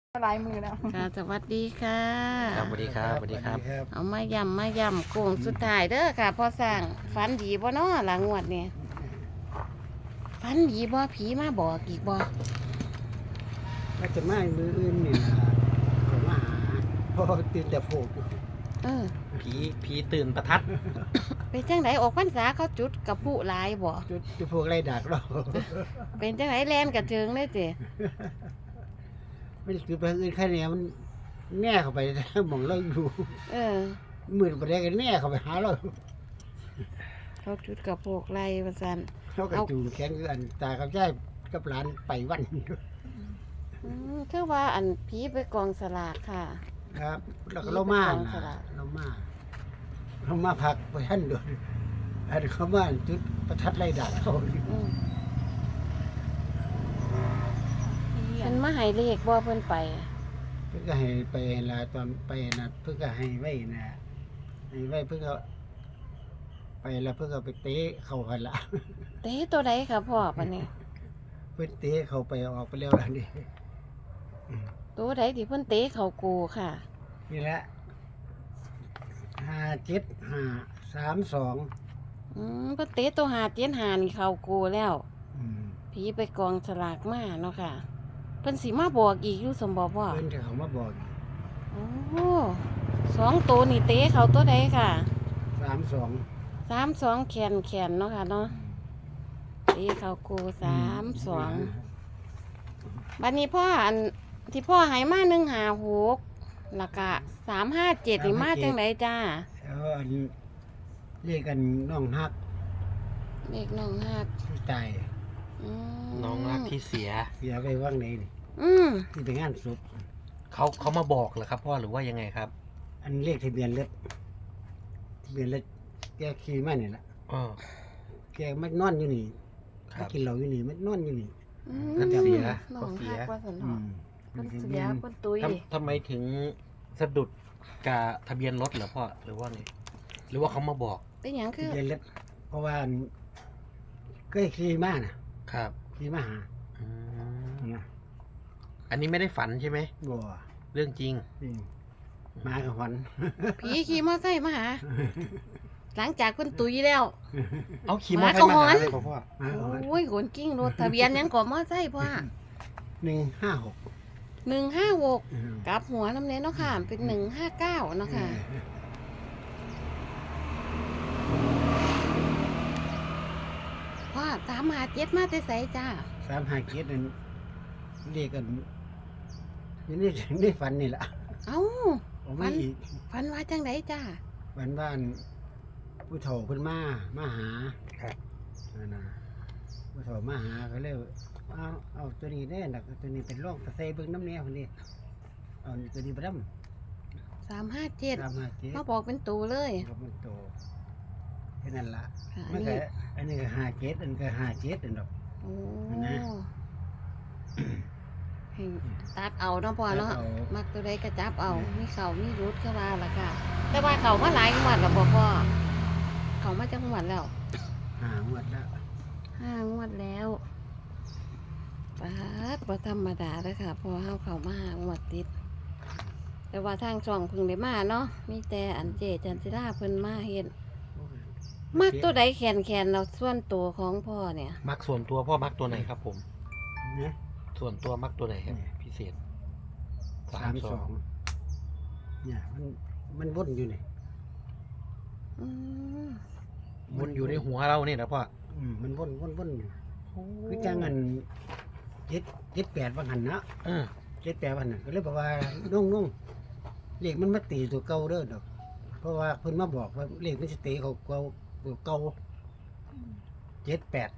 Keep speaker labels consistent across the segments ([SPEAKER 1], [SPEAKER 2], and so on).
[SPEAKER 1] หลายมือแล้ว
[SPEAKER 2] ค่ะสวัสดีค่ะ
[SPEAKER 3] ครับสวัสดีครับสวัสดีครับ
[SPEAKER 2] เอามายำโค้งสุดท้ายเด้อค่ะพอสร้างฝันดีบ่เนาะหลังงวดเนี่ยฝันดีบ่ผีมาบอกอีกบ่
[SPEAKER 4] ก็จะมามืออื่นนี่ล่ะก็มาหาพ่อตื่นแต่โผล่
[SPEAKER 2] เออ
[SPEAKER 3] ผีตื่นประทัด
[SPEAKER 2] เป็นจังไดออกพรรษาเขาจุดกับผู้หลายบ่
[SPEAKER 4] จุดจะพวกไรดักเรา
[SPEAKER 2] เป็นจังไดแล่นกระเจิงเลยเจ้
[SPEAKER 4] ไม่ได้คือไปอื่นแค่นี้มันแน่เข้าไปมองเราอยู่
[SPEAKER 2] เออ
[SPEAKER 4] มือไปได้กันแน่เข้าไปหาเรา
[SPEAKER 2] เขาจุดกับพวกไรว่าซั่น
[SPEAKER 4] เขากระจูงแขนคืออันตากับใจกับหลานไปวัน
[SPEAKER 2] คือว่าอันผีไปกองสลากค่ะ
[SPEAKER 4] ครับ แล้วก็เรามาน่ะเรามาพักไปท่านด้วยอันเขามาจุดประทัดไรดักเขา
[SPEAKER 2] อืมเพิ่นมาให้เลขบ่เพิ่นไป
[SPEAKER 4] เพื่อก็ให้ไปลาตอนไปนะเพื่อก็ให้ไว้นะให้ไว้เพื่อก็ไปแล้วเพื่อก็ไปเตะเข้ากันละ
[SPEAKER 2] เตะตัวใดค่ะพ่อปะนี่
[SPEAKER 4] เพื่อเตะเข้าไปออกไปแล้วล่ะนี่
[SPEAKER 2] ตัวใดที่เพิ่นเตะเขากูค่ะ
[SPEAKER 4] นี่แหละ575332
[SPEAKER 2] เพิ่นเตะตัวหาเตียนหานี่เขากูแล้ว
[SPEAKER 4] อืม
[SPEAKER 2] ผีไปกองสลากมาเนาะค่ะ เพิ่นสิมาบอกอีกอยู่สมบ่พ่อ
[SPEAKER 4] เพิ่นจะเขามาบอก
[SPEAKER 2] โอ้สองตัวนี่เตะเขาตัวใดค่ะ
[SPEAKER 4] 32
[SPEAKER 2] 32แขนเนาะค่ะเนาะเตะเขากู32บัดนี้พ่ออันที่พ่อให้มา156แล้วก็357นี่มาจังไดจ้า
[SPEAKER 4] แล้วอันเรียกกันน้องฮัก
[SPEAKER 2] เลขน้องฮัก
[SPEAKER 4] ที่ตาย
[SPEAKER 2] อืม
[SPEAKER 3] น้องรักที่เสีย
[SPEAKER 4] เสียไปว่างไหนนี่
[SPEAKER 2] อืม
[SPEAKER 4] ที่ไปงานศพ
[SPEAKER 3] เขามาบอกเหรอครับพ่อหรือว่ายังไงครับ
[SPEAKER 4] อันเลขทะเบียนรถแกขี่มานี่ล่ะ
[SPEAKER 3] อ๋อ
[SPEAKER 4] แกมันนอนอยู่นี่
[SPEAKER 3] ครับ
[SPEAKER 4] กินเหล้าอยู่นี่มันนอนอยู่นี่
[SPEAKER 3] ท่านเสีย
[SPEAKER 2] น้องฮักว่าสัน
[SPEAKER 4] อื
[SPEAKER 2] เนาะ
[SPEAKER 4] ม
[SPEAKER 2] คนเสียคนตุย
[SPEAKER 3] ทำไมถึงสะดุดกับทะเบียนรถเหรอพ่อหรือว่าไงหรือว่าเขามาบอก
[SPEAKER 2] เป็นหยังคือ
[SPEAKER 4] ทะเบียนรถเพราะว่าเคยขี่มานะครับ ขี่มาหา
[SPEAKER 3] อืม
[SPEAKER 4] นะ
[SPEAKER 3] อันนี้ไม่ได้ฝันใช่ไหม
[SPEAKER 4] บ่
[SPEAKER 3] เรื่องจริง
[SPEAKER 4] นี่มากับหวัน
[SPEAKER 2] ผีขี่มอไซค์มาหา หลังจากคนตุยแล้ว
[SPEAKER 3] เอาขี่มอเตอร์ไซค์
[SPEAKER 2] หมาก็หอน
[SPEAKER 3] มาหาเลยพ่อ
[SPEAKER 4] มากับหวัน
[SPEAKER 2] โอ้ยขนกิ้งรถทะเบียนหยังก่อมอไซค์พ่อ
[SPEAKER 4] 156
[SPEAKER 2] 156กลับหัวน้ำเน้นเนาะค่ะ เป็น159เนาะค่ะพ่อ357มาแต่ไสจ้า
[SPEAKER 4] 357นั่นเรียกกันนี่ฝันนี่ล่ะ
[SPEAKER 2] เอ้า
[SPEAKER 4] เอามาอีก
[SPEAKER 2] ฝันว่าจังไดจ้า
[SPEAKER 4] ฝันบ้านผู้เฒ่าเพิ่นมาหา
[SPEAKER 3] ครับ
[SPEAKER 4] นั่นน่ะผู้เฒ่ามาหาก็เลยเอาตัวนี้แน่น่ะตัวนี้เป็นร่องตะไซเบิ่งน้ำแนวคนนี้เอาตัวนี้ไปดำ
[SPEAKER 2] 357
[SPEAKER 4] 357
[SPEAKER 2] มาบอกเป็นตูเลย
[SPEAKER 4] ก็มันโตแค่นั้นล่ะ
[SPEAKER 2] ค่ะ
[SPEAKER 4] มันก็อันนี้ก็57อันก็57อันดอก
[SPEAKER 2] โอ้
[SPEAKER 4] นะ
[SPEAKER 2] ให้ตัดเอาเนาะพ่อเนาะ
[SPEAKER 4] ตัดเอา
[SPEAKER 2] มักตัวใดก็จับเอามีเขามีรุดเข้ามาละค่ะ แต่ว่าเขามาหลายงวดแล้วบ่พ่อเขามาจังหวัดแล้ว
[SPEAKER 4] งวดแล้ว
[SPEAKER 2] 5 งวดแล้วปาดบ่ธรรมดาเด้อค่ะเพอเฮาเข้ามา5 งวดติด แต่ว่าทางช่องเพิ่งได้มาเนาะมีแต่อันเจจันจิราเพิ่นมาเฮ็ดมักตัวใดแขนเราส่วนตัวของพ่อเนี่ย
[SPEAKER 3] มักส่วนตัวพ่อมักตัวไหนครับผม
[SPEAKER 4] นะ
[SPEAKER 3] ส่วนตัวมักตัวไหนครับ พิเศษ
[SPEAKER 4] 32เนี่ยมันวนอยู่นี่
[SPEAKER 2] อืม
[SPEAKER 3] วนอยู่ในหัวเราเนี่ยนะพ่อ
[SPEAKER 4] มันวนอยู่คือจังอัน78ว่าหันนะ
[SPEAKER 3] เออ
[SPEAKER 4] 78ว่าหันน่ะก็เลยบอกว่านุ่งเลขมันมาตีตัวเก่าเด้อดอก เพราะว่าเพิ่นมาบอกว่าเลขมันสิตีเขาเก่าตัวเก่า78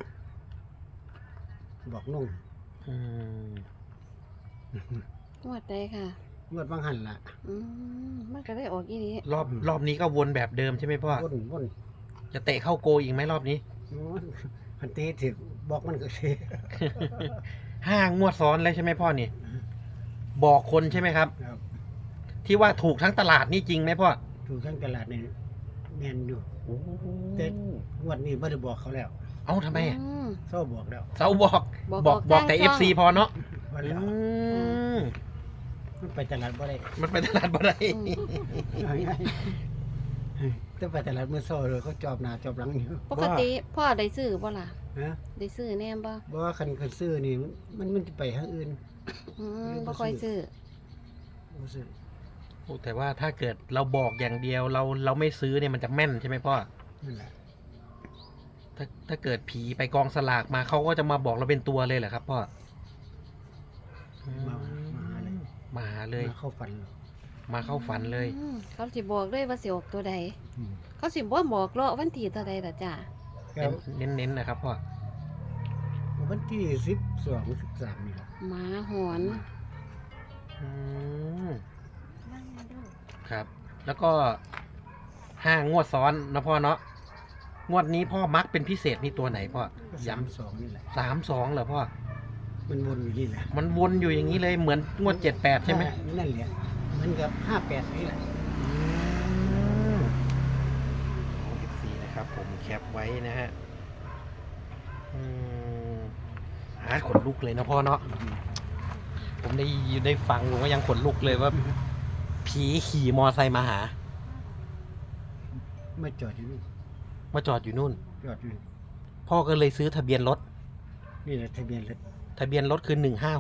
[SPEAKER 4] บอกนุ่ง
[SPEAKER 3] อืม
[SPEAKER 2] งวดใดค่ะ
[SPEAKER 4] งวดบางหันล่ะ
[SPEAKER 2] มันก็ได้ออกอีนี้
[SPEAKER 3] รอบนี้ก็วนแบบเดิมใช่ไหมพ่อ
[SPEAKER 4] วน
[SPEAKER 3] จะเตะเข้าโกอีกไหมรอบนี้
[SPEAKER 4] พันตีถึกบอกมันก็สิ
[SPEAKER 3] 5 งวดซ้อนแล้วใช่ไหมพ่อนี่ บอกคนใช่ไหมครับ
[SPEAKER 4] ครับ
[SPEAKER 3] ที่ว่าถูกทั้งตลาดนี่จริงไหมพ่อ
[SPEAKER 4] ถูกทั้งตลาดนี่แม่นอยู่
[SPEAKER 3] โอ้
[SPEAKER 4] แต่ งวดนี้บ่ได้บอกเขาแล้ว
[SPEAKER 3] เอ้าทำไมอะ
[SPEAKER 2] อืม
[SPEAKER 4] เศร้าบอกแล้ว
[SPEAKER 3] เสาบอก
[SPEAKER 2] บอก
[SPEAKER 3] แต่
[SPEAKER 2] ทางช่อง
[SPEAKER 3] FC พอเนาะ
[SPEAKER 4] ว่า
[SPEAKER 3] อื
[SPEAKER 4] แล้ว
[SPEAKER 3] ม
[SPEAKER 4] ไปตลาดบ่ได้
[SPEAKER 3] มันไปตลาดบ่ได้
[SPEAKER 4] ถ้าไปตลาดมื้อเช้าเลยเขาจอบหน้าจอบหลังอยู่
[SPEAKER 2] ปกติพ่อได้ซื้อบ่ล่ะ
[SPEAKER 4] ฮะ
[SPEAKER 2] ได้ซื้อแน่บ่
[SPEAKER 4] บ่ว่าคันซื้อนี่มันสิไปทางอื่น
[SPEAKER 2] บ่ค่อยซื้อ
[SPEAKER 4] บ่ซื้อ
[SPEAKER 3] โอ้แต่ว่าถ้าเกิดเราบอกอย่างเดียวเราไม่ซื้อเนี่ยมันจะแม่นใช่ไหมพ่อ
[SPEAKER 4] นั่นแหละ
[SPEAKER 3] ถ้าเกิดผีไปกองสลากมาเขาก็จะมาบอกเราเป็นตัวเลยเหรอครับพ่อ
[SPEAKER 4] มาหาเลย
[SPEAKER 3] มาหาเลย
[SPEAKER 4] มาเข้าฝันเลย
[SPEAKER 3] มาเข้าฝันเลย
[SPEAKER 2] เขาสิบอกเลยว่าสิออกตัวใด
[SPEAKER 4] อืม
[SPEAKER 2] เขาสิบ่บอกเลาะวันที่ตัวใดล่ะจ้ะ
[SPEAKER 4] ก็
[SPEAKER 3] เน้นนะครับพ่อ
[SPEAKER 4] วันที่12 13นี่แหละ
[SPEAKER 2] หมาหอน
[SPEAKER 3] อืมครับ แล้วก็5 งวดซ้อนนะพ่อเนาะงวดนี้พ่อมักเป็นพิเศษนี่ตัวไหนพ่อ
[SPEAKER 4] ก็
[SPEAKER 3] ย้
[SPEAKER 4] 32นี่แหละ
[SPEAKER 3] ำ32เหรอพ่อ
[SPEAKER 4] มันวนอยู่นี่แหละ
[SPEAKER 3] มันวนอยู่อย่างนี้เลยเหมือนงวด78ใช่ไหม
[SPEAKER 4] นั่นแหละมันกับ58นี่แหละ
[SPEAKER 3] ของ14นะครับ ผมแคปไว้นะฮะขนลุกเลยนะพ่อเนาะผมได้ฟังผมก็ยังขนลุกเลยว่า ผีขี่มอไซค์มาหา
[SPEAKER 4] มาจอดอยู่นี่
[SPEAKER 3] มาจอดอยู่นู่น
[SPEAKER 4] จอดอยู่
[SPEAKER 3] พ่อก็เลยซื้อทะเบียนรถ
[SPEAKER 4] นี่แหละทะเบียนรถ
[SPEAKER 3] ทะเบียนรถคือ156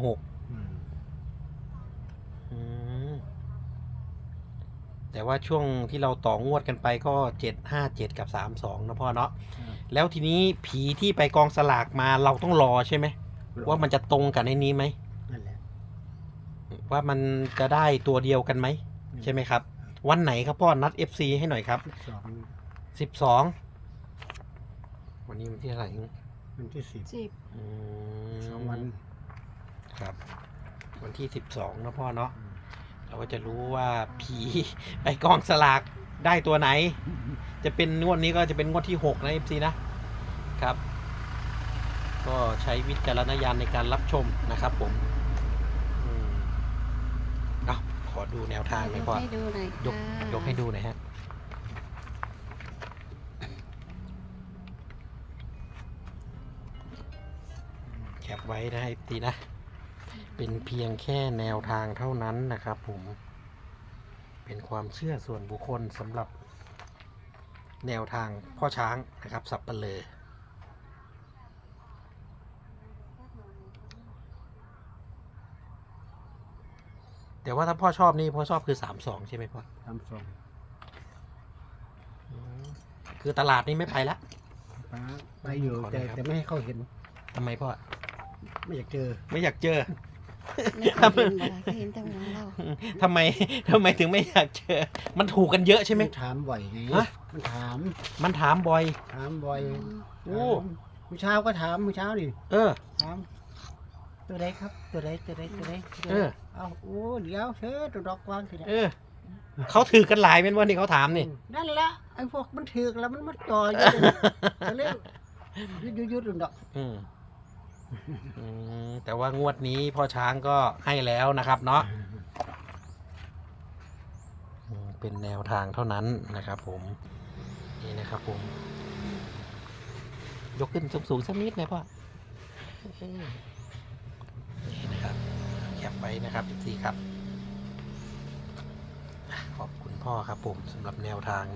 [SPEAKER 3] แต่ว่าช่วงที่เราต่องวดกันไปก็757กับ32นะพ่อเนาะแล้วทีนี้ผีที่ไปกองสลากมาเราต้องรอใช่ไหมว่ามันจะตรงกับในนี้ไหม
[SPEAKER 4] นั่นแหละ
[SPEAKER 3] ว่ามันจะได้ตัวเดียวกันไหมใช่ไหมครับ วันไหนครับพ่อนัด FC ให้หน่อยครับ 12วันนี้วันที่เท่าไหร่
[SPEAKER 4] วันที่10 2 วัน
[SPEAKER 3] ครับ วันที่12นะพ่อเนาะเราก็จะรู้ว่าผีไปกองสลากได้ตัวไหน จะเป็นงวดนี้ก็จะเป็นงวดที่6นะ FC นะครับ ก็ใช้วิจารณญาณในการรับชมนะครับผมเอาขอดูแนวทางหน่อยพ่อ
[SPEAKER 2] ให้ดูหน่อย
[SPEAKER 3] ยก
[SPEAKER 2] ค่ะ
[SPEAKER 3] ยกให้ดูหน่อยฮะแคปไว้นะไอ้ตีนะ เป็นเพียงแค่แนวทางเท่านั้นนะครับผม เป็นความเชื่อส่วนบุคคลสำหรับแนวทางพ่อช้างนะครับ สับปะเลอแต่ว่าถ้าพ่อชอบนี่พ่อชอบคือ32ใช่ไหมพ่อ คือตลาดนี่ไม่ไปละ
[SPEAKER 4] ไปอยู่
[SPEAKER 3] ขอหน่อยครับ
[SPEAKER 4] แต่ไม่ให้เขาเห็น
[SPEAKER 3] ทำไมพ่อ
[SPEAKER 4] ไม่อยากเจอ
[SPEAKER 3] ไม่อยากเจอ
[SPEAKER 2] ไม่เคยเห็นบ่ล่ะเคยเห็นแต่ของเรา
[SPEAKER 3] ทำไมถึงไม่อยากเจอ มันถูกกันเยอะใช่ไหม
[SPEAKER 4] มันถามบ่อยไง
[SPEAKER 3] ฮะ
[SPEAKER 4] มันถาม
[SPEAKER 3] มันถามบ่อย
[SPEAKER 4] ถามบ่อย
[SPEAKER 3] โอ้
[SPEAKER 4] เมื่อเช้าก็ถามเมื่อเช้านี่
[SPEAKER 3] เออ
[SPEAKER 4] ถามตัวใดครับตัวใด
[SPEAKER 3] เออ
[SPEAKER 4] เอาโอ้เดี๋ยวเชิญตัวดอกวางสิ
[SPEAKER 3] เออ เขาถือกันหลายเป็นวันที่เขาถามนี่
[SPEAKER 4] นั่นละไอ้พวกมันถือกแล้วมันมาจ่อยอยู่ก็เลยยุดดอก
[SPEAKER 3] แต่ว่างวดนี้พ่อช้างก็ให้แล้วนะครับเนาะเป็นแนวทางเท่านั้นนะครับผม นี่นะครับผม ยกขึ้นสูงๆสักนิดนะพ่อนี่นะครับแคปไว้นะครับ14ครับ ขอบคุณพ่อครับผมสำหรับแนวทาง